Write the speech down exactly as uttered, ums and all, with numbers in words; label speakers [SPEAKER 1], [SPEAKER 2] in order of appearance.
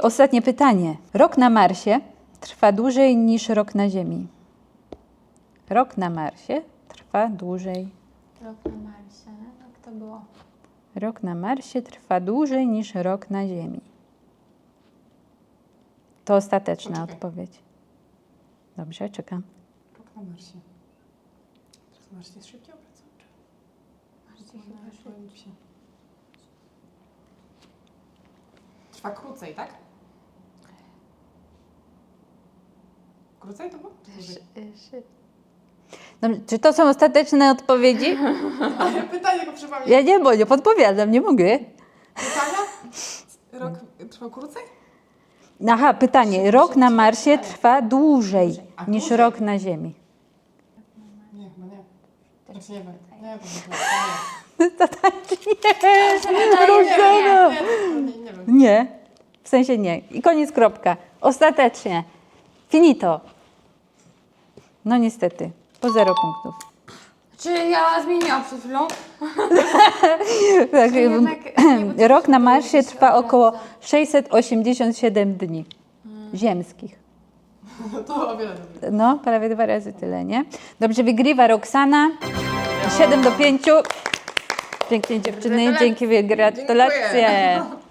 [SPEAKER 1] ostatnie pytanie. Rok na Marsie trwa dłużej niż rok na Ziemi. Rok na Marsie trwa dłużej.
[SPEAKER 2] Rok na Marsie. Jak to było?
[SPEAKER 1] Rok na Marsie trwa dłużej niż rok na Ziemi. To ostateczna
[SPEAKER 3] Poczekaj.
[SPEAKER 1] odpowiedź. Dobrze, czekam.
[SPEAKER 3] Rok na Marsie. Teraz Mars jest szybciej obracał.
[SPEAKER 2] Marsie chyba szybciej.
[SPEAKER 3] Trwa krócej, tak? Krócej to było? Dłużej.
[SPEAKER 2] Szybciej.
[SPEAKER 1] Dobrze, czy to są ostateczne odpowiedzi?
[SPEAKER 3] Ale pytanie go przypomnij.
[SPEAKER 1] Ja nie, bo nie podpowiadam, nie mogę.
[SPEAKER 3] Pytania? Rok trwał krócej?
[SPEAKER 1] Aha, pytanie. Rok na Marsie trwa dłużej
[SPEAKER 3] A,
[SPEAKER 1] niż
[SPEAKER 3] dłużej.
[SPEAKER 1] rok na Ziemi.
[SPEAKER 3] Nie, chyba nie. Teraz nie wiem. Nie wiem.
[SPEAKER 1] To tak nie.
[SPEAKER 3] Nie,
[SPEAKER 1] Roxana.
[SPEAKER 3] nie, nie, nie wiem.
[SPEAKER 1] Nie, w sensie nie. I koniec, kropka. Ostatecznie. Finito. No niestety, po zero punktów.
[SPEAKER 2] Czy ja zmieniłam przed chwilą?
[SPEAKER 1] Tak,
[SPEAKER 2] Czy jednak nie, bo to
[SPEAKER 1] rok na
[SPEAKER 2] się
[SPEAKER 1] Marsie
[SPEAKER 2] się
[SPEAKER 1] trwa
[SPEAKER 2] obraca.
[SPEAKER 1] około sześćset osiemdziesiąt siedem dni ziemskich.
[SPEAKER 3] To o wiele dobrze.
[SPEAKER 1] No, prawie dwa razy tyle, nie? Dobrze, wygrywa Roxana. siedem do pięciu. Pięknie dziewczyny,
[SPEAKER 2] Gratulacje.
[SPEAKER 1] dzięki, gratulacje.